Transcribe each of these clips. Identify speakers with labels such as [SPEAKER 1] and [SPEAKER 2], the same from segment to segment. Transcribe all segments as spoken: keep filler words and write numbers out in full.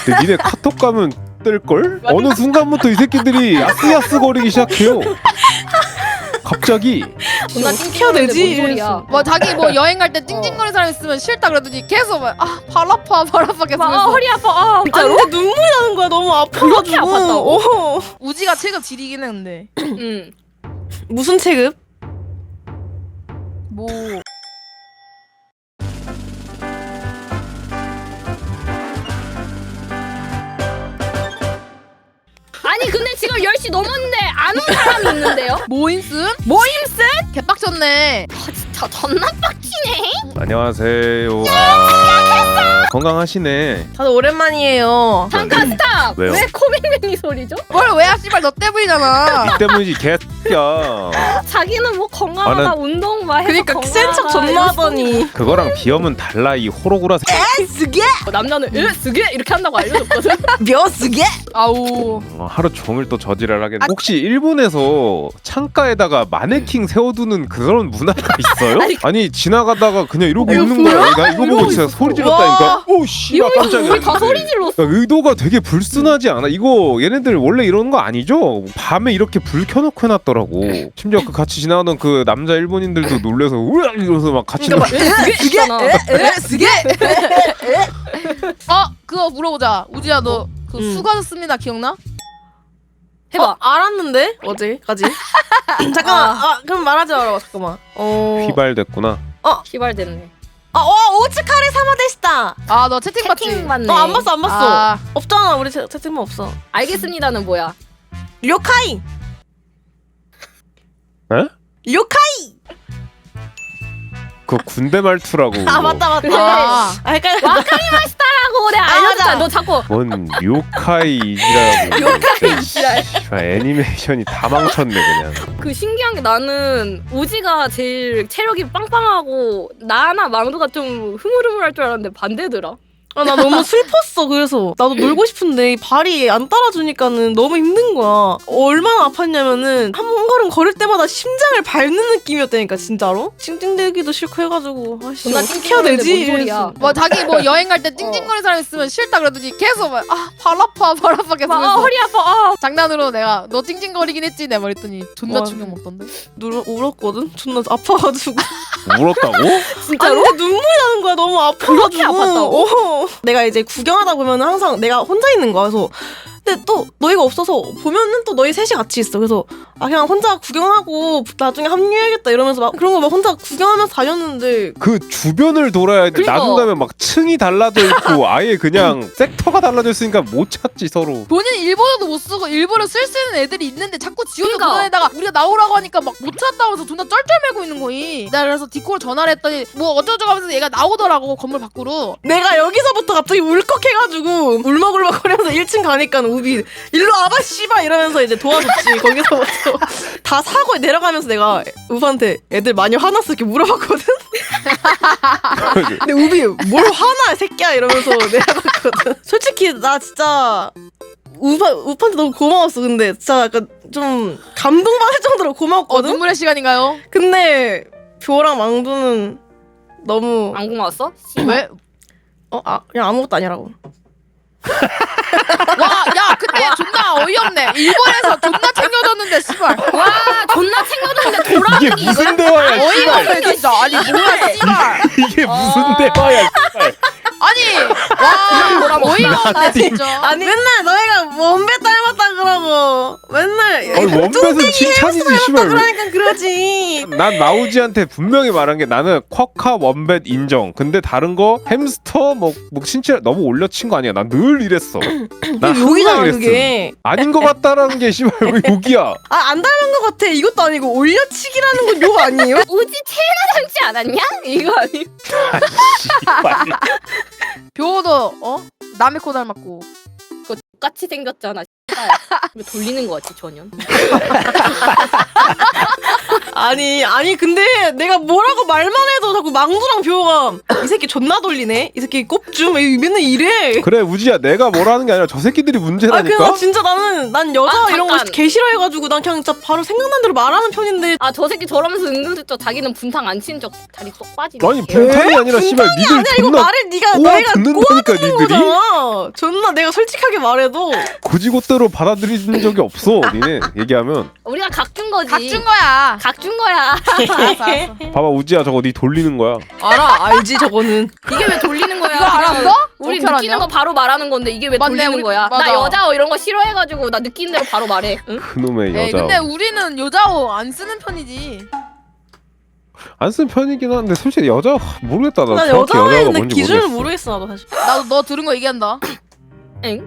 [SPEAKER 1] 근데 니네 카톡 가면 뜰걸? 어느 순간부터 이 새끼들이 야스야스 거리기 시작해요. 갑자기.
[SPEAKER 2] 나 찡해야 되지? 뭔 소리야?
[SPEAKER 3] 뭐 자기 뭐 여행 갈 때 찡찡거리는 사람 있으면 싫다 그러더니 계속 막아발 아파 발 아파 계속.
[SPEAKER 2] 아 허리 아파. 아
[SPEAKER 4] 아니 근데 눈물이 나는 거야. 너무 아파가지고.
[SPEAKER 2] 그렇게 아팠다고?
[SPEAKER 4] 어.
[SPEAKER 3] 우지가 체급 지리긴 했는데.
[SPEAKER 2] 응.
[SPEAKER 4] 무슨 체급?
[SPEAKER 3] 뭐
[SPEAKER 2] 아니 근데 지금 열 시 넘었는데 안 온 사람이 있는데요?
[SPEAKER 3] 모임슨?
[SPEAKER 2] 모임슨?
[SPEAKER 3] 개빡쳤네.
[SPEAKER 2] 아 진짜 존나 빡치네.
[SPEAKER 1] 안녕하세요. 아, 건강하시네.
[SPEAKER 4] 다들 오랜만이에요.
[SPEAKER 2] 잠깐 스탑.
[SPEAKER 1] 왜요?
[SPEAKER 2] 왜 코맹맹이 소리죠?
[SPEAKER 3] 뭘 왜야 씨발 너 때문이잖아.
[SPEAKER 1] 니 때문이지 개새끼야.
[SPEAKER 2] 자기는 뭐 건강하다
[SPEAKER 1] 나는-
[SPEAKER 2] 운동 막 해서
[SPEAKER 4] 그러니까 센 척
[SPEAKER 2] 건강하다
[SPEAKER 4] 존나 하더니.
[SPEAKER 1] 그거랑 비염은 달라 이 호로구라 새.
[SPEAKER 4] 쓰게?
[SPEAKER 2] 이러고 남자는 으 쓰게 이렇게 한다고 알려줬거든.
[SPEAKER 4] 몇 쓰게?
[SPEAKER 3] 아우.
[SPEAKER 1] 어, 하루 종일 또 저지랄 하겠네. 혹시 일본에서 창가에다가 마네킹 세워두는 그런 문화가 있어요? 아니 지나가다가 그냥 이러고
[SPEAKER 4] 이거
[SPEAKER 1] 있는 거야. 나 이거 보고 진짜 소리 질렀다니까. 오 씨발
[SPEAKER 2] 이거
[SPEAKER 1] 깜짝이야.
[SPEAKER 2] 우리 다 소리 질렀어.
[SPEAKER 1] 야, 의도가 되게 불순하지 않아? 이거 얘네들 원래 이러는 거 아니죠? 밤에 이렇게 불 켜놓고 해놨더라고. 심지어 그 같이 지나가던 그 남자 일본인들도 놀래서 으악 이러면서 막 같이
[SPEAKER 2] 그러니까 막 으 쓰게 있잖아.
[SPEAKER 4] 에? 쓰게?
[SPEAKER 3] 어 그거 물어보자. 우지야 너 그
[SPEAKER 4] 음.
[SPEAKER 3] 수고하셨습니다 기억나?
[SPEAKER 2] 해봐.
[SPEAKER 4] 어, 알았는데? 어제까지? 잠깐만. 아, 그럼 말하지 마라. 잠깐만. 어.
[SPEAKER 1] 휘발됐구나.
[SPEAKER 2] 휘발됐네.
[SPEAKER 4] 아, 와, 오츠카레 사마데시다.
[SPEAKER 3] 아 너 채팅 봤지?
[SPEAKER 2] 채팅 맞네.
[SPEAKER 4] 어, 안 봤어, 안 봤어.
[SPEAKER 3] 아,
[SPEAKER 4] 없잖아. 우리 채, 채팅만 없어.
[SPEAKER 2] 알겠습니다는 뭐야?
[SPEAKER 4] 료카이.
[SPEAKER 1] 에?
[SPEAKER 4] 료카이.
[SPEAKER 1] 그 군대 말투라고.
[SPEAKER 4] 아, 맞다, 맞다.
[SPEAKER 3] 아.
[SPEAKER 4] 아, 헷갈려.
[SPEAKER 2] 와카리마시타라고 내가
[SPEAKER 4] 아,
[SPEAKER 2] 알려줬잖아.
[SPEAKER 4] 맞아.
[SPEAKER 2] 너 자꾸
[SPEAKER 1] 뭔 요카이라고.
[SPEAKER 2] 요카이.
[SPEAKER 1] 씨발, 애니메이션이 다 망쳤네 그냥.
[SPEAKER 2] 그 신기한 게 나는 우지가 제일 체력이 빵빵하고 나나 망두가 좀 흐물흐물할 줄 알았는데 반대더라.
[SPEAKER 4] 아, 나 너무 슬펐어. 그래서 나도 놀고 싶은데 이 발이 안 따라주니까는 너무 힘든 거야. 얼마나 아팠냐면은 한 걸음 걸을 때마다 심장을 밟는 느낌이었다니까 진짜로. 찡찡대기도 싫고 해가지고 아씨
[SPEAKER 2] 존나
[SPEAKER 4] 어떻게 해야
[SPEAKER 2] 찡찡거리는데
[SPEAKER 4] 되지?
[SPEAKER 2] 뭔 소리야.
[SPEAKER 4] 이랬어.
[SPEAKER 3] 뭐 자기 뭐 여행 갈 때 찡찡거리는 사람 있으면 싫다 그러더니 계속 막아발 아파 발 아파 계속.
[SPEAKER 2] 막, 아,
[SPEAKER 3] 그래서
[SPEAKER 2] 허리 아파. 아.
[SPEAKER 3] 장난으로 내가 너 찡찡거리긴 했지 내 말했더니 존나
[SPEAKER 4] 와.
[SPEAKER 3] 충격 먹던데.
[SPEAKER 4] 누르, 울었거든? 존나 아파가지고.
[SPEAKER 1] 울었다고?
[SPEAKER 4] 아니 근데 눈물이 나는 거야. 너무 아파가지고.
[SPEAKER 2] 그렇게 아팠다고?
[SPEAKER 4] 어. 내가 이제 구경하다 보면 항상 내가 혼자 있는 거야. 그래서 근데 또 너희가 없어서 보면은 또 너희 셋이 같이 있어. 그래서 아 그냥 혼자 구경하고 나중에 합류해야겠다 이러면서 막 그런 거 막 혼자 구경하면서 다녔는데
[SPEAKER 1] 그 주변을 돌아야 돼.
[SPEAKER 2] 그러니까.
[SPEAKER 1] 나중 가면 막 층이 달라져 있고 아예 그냥 섹터가 달라져 있으니까 못 찾지 서로.
[SPEAKER 3] 본인 일본어도 못 쓰고 일본어 쓸 수 있는 애들이 있는데 자꾸 지원도
[SPEAKER 2] 그러니까.
[SPEAKER 3] 그거에다가 우리가 나오라고 하니까 막 못 찾다고 하면서 존나 쩔쩔매고 있는 거이. 내가 그래서 디코를 전화를 했더니 뭐 어쩌고저쩌고 하면서 얘가 나오더라고 건물 밖으로.
[SPEAKER 4] 내가 여기서부터 갑자기 울컥해가지고 울먹울먹거리면서 일 층 가니까 우비 일로 와봐 씨발 이러면서 이제 도와줬지. 거기서부터 다 사고 내려가면서 내가 우비한테 애들 많이 화났어 이렇게 물어봤거든. 근데 우비 뭘 화나 새끼야 이러면서 내려갔거든. 솔직히 나 진짜 우파, 우파한테 너무 고마웠어. 근데 진짜 약간 좀 감동받을 정도로
[SPEAKER 3] 어
[SPEAKER 4] 고마웠거든.
[SPEAKER 3] 눈물의 시간인가요?
[SPEAKER 4] 근데 뷰랑 망두는 너무
[SPEAKER 2] 안 고마웠어?
[SPEAKER 3] 왜?
[SPEAKER 4] 어? 아 그냥 아무것도 아니라고.
[SPEAKER 3] 와, 야, 근데 존나 어이없네. 일본에서 존나 챙겨줬는데, 씨발.
[SPEAKER 2] 와 존나 챙겨줬는데 돌아오는
[SPEAKER 1] 이게
[SPEAKER 2] 게
[SPEAKER 1] 무슨
[SPEAKER 2] 이거야?
[SPEAKER 1] 대화야
[SPEAKER 3] 어이가
[SPEAKER 1] 씨발.
[SPEAKER 3] 없네, 진짜. 아니, 뭐야, 씨발.
[SPEAKER 1] 이게 무슨
[SPEAKER 2] 아.
[SPEAKER 1] 대화야 씨발.
[SPEAKER 3] 아니, 와, 어이가 없네, 진짜.
[SPEAKER 4] 아니 맨날 너희가 원배 닮았다 그러고 맨날
[SPEAKER 1] 아니 원뱃은 칭찬이지 씨발.
[SPEAKER 4] 그러니까 그러지.
[SPEAKER 1] 난 나우지한테 분명히 말한 게 나는 쿼카 원뱃 인정. 근데 다른 거 햄스터 뭐, 뭐 신체 너무 올려친 거 아니야. 난 늘 이랬어. 난
[SPEAKER 4] 욕이잖아
[SPEAKER 1] 항상 이랬어.
[SPEAKER 4] 그게.
[SPEAKER 1] 아닌 것 같다라는 게 씨발 왜 욕이야.
[SPEAKER 4] 아 안 닮은 것 같아. 이것도 아니고 올려치기라는 건 욕 아니에요?
[SPEAKER 2] 우지 체나 닮지 않았냐? 이거 아니?
[SPEAKER 1] 씨발.
[SPEAKER 3] 뷰도, 어? 남의 코 닮았고.
[SPEAKER 2] 그거 똑같이 생겼잖아. 왜 돌리는 거 같지 전혀?
[SPEAKER 4] 아니 아니 근데 내가 뭐라고 말만 해도 자꾸 망두랑 뷰가 이 새끼 존나 돌리네. 이 새끼 꼽줌 맨날 이래.
[SPEAKER 1] 그래 우지야 내가 뭐라는 게 아니라 저 새끼들이
[SPEAKER 4] 아
[SPEAKER 1] 문제라니까.
[SPEAKER 4] 그냥 진짜 나는 난 여자
[SPEAKER 2] 아,
[SPEAKER 4] 이런 거
[SPEAKER 2] 잠깐.
[SPEAKER 4] 개 싫어해가지고 난 그냥 진짜 바로 생각난 대로 말하는 편인데.
[SPEAKER 2] 아 저 새끼 저러면서 은근슬쩍 자기는 분탕 안 치는 척 다리 쏙 빠지네.
[SPEAKER 1] 아니 분탕이 아니라 씨발 니들
[SPEAKER 4] 아니야 이거
[SPEAKER 1] 존나
[SPEAKER 4] 말을 네가
[SPEAKER 1] 꼬아
[SPEAKER 4] 너희가
[SPEAKER 1] 듣는다니까 니들이.
[SPEAKER 4] 거잖아. 존나 내가 솔직하게 말해도
[SPEAKER 1] 고지고대로 받아들인 적이 없어 니네 얘기하면.
[SPEAKER 2] 우리가 각 준 거지.
[SPEAKER 3] 각준 거야.
[SPEAKER 2] 각 준 거야.
[SPEAKER 3] 알았어 알았어.
[SPEAKER 1] 봐봐 우지야 저거 니 돌리는 거야.
[SPEAKER 4] 알아 알지 저거는.
[SPEAKER 2] 이게 왜 돌리는 거야?
[SPEAKER 3] 이거 알았어?
[SPEAKER 2] 우리
[SPEAKER 3] 어떻게
[SPEAKER 2] 느끼는
[SPEAKER 3] 알았냐?
[SPEAKER 2] 거 바로 말하는 건데 이게 왜
[SPEAKER 3] 맞네,
[SPEAKER 2] 돌리는
[SPEAKER 3] 우리-
[SPEAKER 2] 거야? 나
[SPEAKER 3] 맞아.
[SPEAKER 2] 여자 이런 거 싫어해가지고 나 느끼는 대로 바로 말해. 응?
[SPEAKER 1] 그놈의
[SPEAKER 3] 에이
[SPEAKER 1] 여자.
[SPEAKER 3] 근데 우리는 여자어 안 쓰는 편이지.
[SPEAKER 1] 안 쓴 편이긴 한데 솔직히 여자 모르겠다 나
[SPEAKER 4] 난
[SPEAKER 1] 정확히 여자가
[SPEAKER 4] 여자애인데
[SPEAKER 1] 뭔지
[SPEAKER 4] 기준을
[SPEAKER 1] 모르겠어.
[SPEAKER 4] 모르겠어 나도 사실.
[SPEAKER 3] 나도 너 들은 거 얘기한다.
[SPEAKER 2] 엥?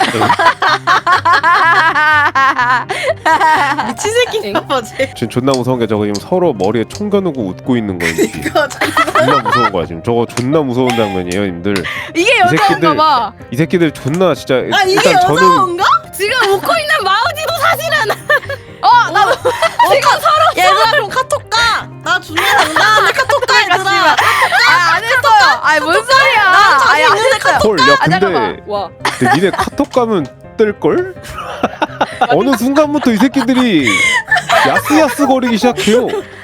[SPEAKER 4] 미친 새끼인가 봐 쟤.
[SPEAKER 1] 지금 존나 무서운 게 저거 지금 서로 머리에 총 겨누고 웃고 있는 거예요. 지금.
[SPEAKER 4] 이거
[SPEAKER 1] 존나 무서운 거야 지금. 저거 존나 무서운 장면이에요, 님들.
[SPEAKER 3] 이게
[SPEAKER 1] 새끼들-
[SPEAKER 3] 여자인가 봐.
[SPEAKER 1] 이 새끼들 존나 진짜
[SPEAKER 4] 아 이게
[SPEAKER 1] 일단 저는
[SPEAKER 4] 여자인가?
[SPEAKER 2] 지금 웃고 있는 마우지도 사실은
[SPEAKER 3] 어 나도
[SPEAKER 4] 얘들아 그럼 카톡 가. 나 존나 장난해 카톡 가 얘들아.
[SPEAKER 3] 아안 했어요. 아니 뭔 소리야. 아니 안 했어요.
[SPEAKER 1] 헐, 야
[SPEAKER 3] 아,
[SPEAKER 1] 근데,
[SPEAKER 3] 잠깐만.
[SPEAKER 2] 와.
[SPEAKER 1] 근데 니네 카톡 가면 뜰걸? 어느 순간부터 이 새끼들이 야스야스 거리기 시작해요.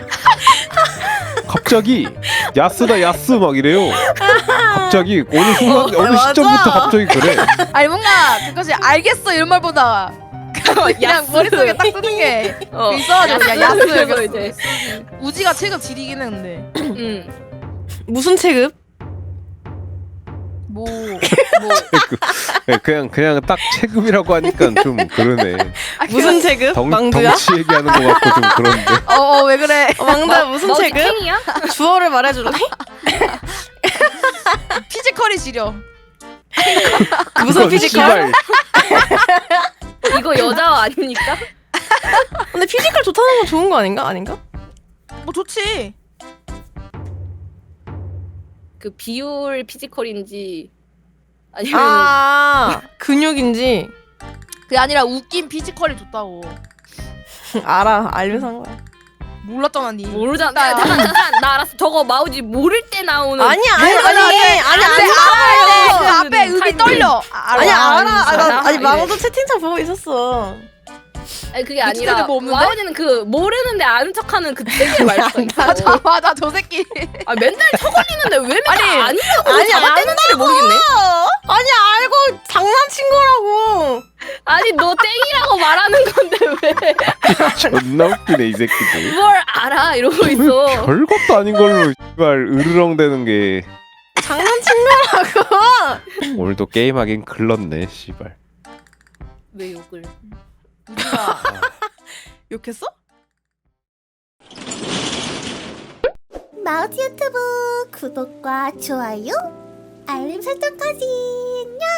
[SPEAKER 1] 갑자기 야스다 야스 막 이래요. 갑자기 어느 순간
[SPEAKER 4] 어,
[SPEAKER 1] 어느
[SPEAKER 4] 맞아.
[SPEAKER 1] 시점부터 갑자기 그래.
[SPEAKER 3] 아니 뭔가 그것이 알겠어 이런 말보다 그냥
[SPEAKER 2] 야스.
[SPEAKER 3] 머릿속에 딱 뜨는 게
[SPEAKER 2] 어.
[SPEAKER 3] 있어가지고 그냥
[SPEAKER 2] 야스
[SPEAKER 3] 야스
[SPEAKER 2] 그래서
[SPEAKER 3] 이렇게.
[SPEAKER 2] 이제.
[SPEAKER 3] 우지가 체급 지리긴 했는데
[SPEAKER 2] 응.
[SPEAKER 4] 무슨 체급?
[SPEAKER 3] 뭐
[SPEAKER 1] 그- 그냥 그냥 딱 체급이라고 하니까 좀 그러네.
[SPEAKER 3] 아,
[SPEAKER 4] 무슨 체급?
[SPEAKER 1] 덩,
[SPEAKER 4] 망두야?
[SPEAKER 1] 덩치 얘기하는 것 같고 좀 그런데.
[SPEAKER 3] 어어 왜 그래?
[SPEAKER 4] 어, 망두야 무슨
[SPEAKER 2] 너
[SPEAKER 4] 체급?
[SPEAKER 2] 탱이야?
[SPEAKER 4] 주어를 말해줄래?
[SPEAKER 3] 피지컬이 지려.
[SPEAKER 4] 무슨
[SPEAKER 1] 이건
[SPEAKER 4] 피지컬?
[SPEAKER 1] 씨발
[SPEAKER 2] 이거 여자 아닙니까?
[SPEAKER 4] 근데 피지컬 좋다는 건 좋은 거 아닌가? 아닌가?
[SPEAKER 3] 뭐 좋지.
[SPEAKER 2] 그 비율 피지컬인지 아니면
[SPEAKER 4] 아 근육인지
[SPEAKER 3] 그게 아니라 웃긴 피지컬이 좋다고.
[SPEAKER 4] 알아 알면서 한 거야.
[SPEAKER 3] 몰랐잖아 니.
[SPEAKER 2] 모르잖아. 나, 잠깐 잠깐 나 알았어. 저거 마우지 모를 때 나오는.
[SPEAKER 4] 아니야
[SPEAKER 3] 아니,
[SPEAKER 4] 아니
[SPEAKER 3] 아니,
[SPEAKER 4] 아니
[SPEAKER 3] 아니,
[SPEAKER 4] 아니
[SPEAKER 3] 아니,
[SPEAKER 4] 아니
[SPEAKER 3] 그
[SPEAKER 4] 알아.
[SPEAKER 3] 앞에 음이
[SPEAKER 2] 타이밍.
[SPEAKER 3] 떨려. 아,
[SPEAKER 4] 아니 알아. 아, 나,
[SPEAKER 2] 알아?
[SPEAKER 4] 아니
[SPEAKER 2] 이래.
[SPEAKER 4] 망도 채팅창 보고 있었어.
[SPEAKER 2] 아니 그게
[SPEAKER 3] 유튜브에
[SPEAKER 2] 아니라
[SPEAKER 3] 뭐 없는데?
[SPEAKER 2] 마우지는 그 모르는데 아는 척하는 그 되게 말투가 있어.
[SPEAKER 3] 맞아 맞아 저 새끼.
[SPEAKER 2] 아 맨날 쳐걸리는데 왜 맨날
[SPEAKER 3] 아니,
[SPEAKER 2] 아니라고
[SPEAKER 4] 아니,
[SPEAKER 2] 잡아떼는지를 모르겠네.
[SPEAKER 4] 아니 알고 장난친 거라고.
[SPEAKER 2] 아니 너 땡이라고 말하는 건데 왜
[SPEAKER 1] 존나 웃기네 이 새끼들.
[SPEAKER 2] 뭘 알아 이러고 있어.
[SPEAKER 1] 별것도 아닌 걸로 씨발 으르렁대는 게
[SPEAKER 4] 장난친 거라고.
[SPEAKER 1] 오늘도 게임하긴 글렀네 씨발.
[SPEAKER 2] 왜 욕을?
[SPEAKER 3] 우지가
[SPEAKER 4] 욕했어?
[SPEAKER 5] 마우스 유튜브 구독과 좋아요, 알림 설정까지. 냥!